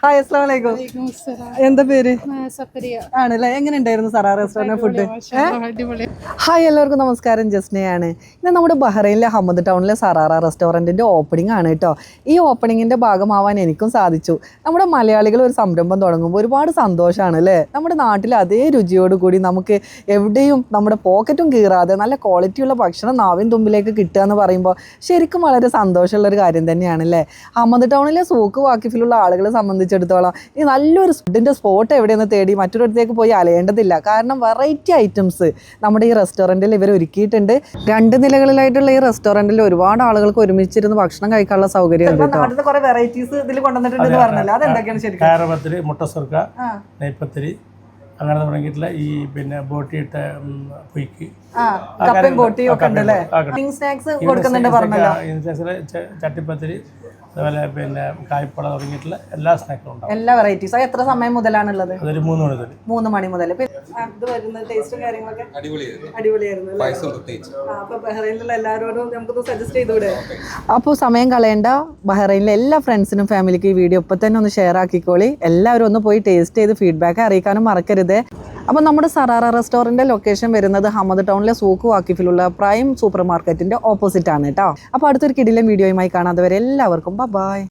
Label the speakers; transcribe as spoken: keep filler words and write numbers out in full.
Speaker 1: Hi അസ്സലാമു അലൈക്കും. എന്താ പേര്? ആണല്ലേ. എങ്ങനെ ഉണ്ടായിരുന്നു സറാ റെസ്റ്റോറന്റ് ഫുഡ്? ഹായ്, എല്ലാവർക്കും നമസ്കാരം. ജസ്നയാണ്. ഇന്ന് നമ്മുടെ ബഹ്റൈനിലെ ഹമ്മദ് ടൗണിലെ സറാറ റെസ്റ്റോറൻറ്റിൻ്റെ ഓപ്പണിംഗ് ആണ് കേട്ടോ. ഈ ഓപ്പണിങ്ങിൻ്റെ ഭാഗമാവാൻ എനിക്കും സാധിച്ചു. നമ്മുടെ മലയാളികൾ ഒരു സംരംഭം തുടങ്ങുമ്പോൾ ഒരുപാട് സന്തോഷമാണ് അല്ലേ? നമ്മുടെ നാട്ടിൽ അതേ രുചിയോട് കൂടി നമുക്ക് എവിടെയും നമ്മുടെ പോക്കറ്റും കീറാതെ നല്ല ക്വാളിറ്റിയുള്ള ഭക്ഷണം നാവിൻ തുമ്പിലേക്ക് കിട്ടുക എന്ന് പറയുമ്പോൾ ശരിക്കും വളരെ സന്തോഷമുള്ളൊരു കാര്യം തന്നെയാണ് അല്ലേ? ഹമ്മദ് ടൗണിലെ സൂക്ക് വാക്കിഫിലുള്ള ആളുകളെ സംബന്ധിച്ചിടത്തോളം ഈ നല്ലൊരു ഫുഡിൻ്റെ സ്പോട്ട് എവിടെയെന്ന് തേടി മറ്റൊരിടത്തേക്ക് പോയി അലയേണ്ടതില്ല. കാരണം വെറൈറ്റി ഐറ്റംസ് നമ്മുടെ ഈ റെസ്റ്റോറൻറ്റിൽ ഇവർ ഒരുക്കിയിട്ടുണ്ട്. രണ്ട് നിലകളിലായിട്ടുള്ള ഈ റെസ്റ്റോറൻറ്റിൽ ഒരുപാട് ആളുകൾക്ക് ഒരുമിച്ചിരുന്ന് ഭക്ഷണം കഴിക്കാനുള്ള സൗകര്യം ഉണ്ട്. കുറെ വെറൈറ്റീസ് ഇതിൽ കൊണ്ടുവന്നിട്ടുണ്ട് പറഞ്ഞല്ലോ, അതെന്തൊക്കെയാണ് ശരിക്കും?
Speaker 2: കാരപത്തിരി, മുട്ടസുർക്ക, നെയ്പത്തിരി, അങ്ങനെ തുടങ്ങിയിട്ടുള്ള ഈ പിന്നെ ബോട്ടിയിട്ട പൊയ്ക്ക്, ചട്ടിപ്പത്തിരി, അതുപോലെ പിന്നെ കായ്പള തുടങ്ങിയിട്ടുള്ള എല്ലാ സ്നാക്കും ഉണ്ടാവും. എല്ലാ വെറൈറ്റീസ്. എത്ര സമയം മുതലാണുള്ളത്? അതൊരു മൂന്ന് മണി മുതൽ മൂന്ന് മണി മുതൽ ടേസ്റ്റും കാര്യങ്ങളൊക്കെ അടിപൊളിയായിരുന്നു. അപ്പോൾ സമയം കളയേണ്ട, ബഹ്റൈനിലെ എല്ലാ ഫ്രണ്ട്സിനും ഫാമിലിക്ക് ഈ വീഡിയോ ഇപ്പം തന്നെ ഒന്ന് ഷെയർ ആക്കിക്കോളി. എല്ലാവരും ഒന്ന് പോയി ടേസ്റ്റ് ചെയ്ത് ഫീഡ്ബാക്ക് അറിയിക്കാനും മറക്കരുത്. അപ്പോൾ നമ്മുടെ സറാറ റെസ്റ്റോറൻറ്റിൻ്റെ ലൊക്കേഷൻ വരുന്നത് ഹമ്മദ് ടൗണിലെ സൂക്ക് വാക്കിഫിലുള്ള പ്രൈം സൂപ്പർ മാർക്കറ്റിൻ്റെ ഓപ്പോസിറ്റ് ആണ് കേട്ടോ. അപ്പോൾ അടുത്തൊരു കിടിലൻ വീഡിയോയുമായി കാണാതെ വരെ എല്ലാവർക്കും ബൈ.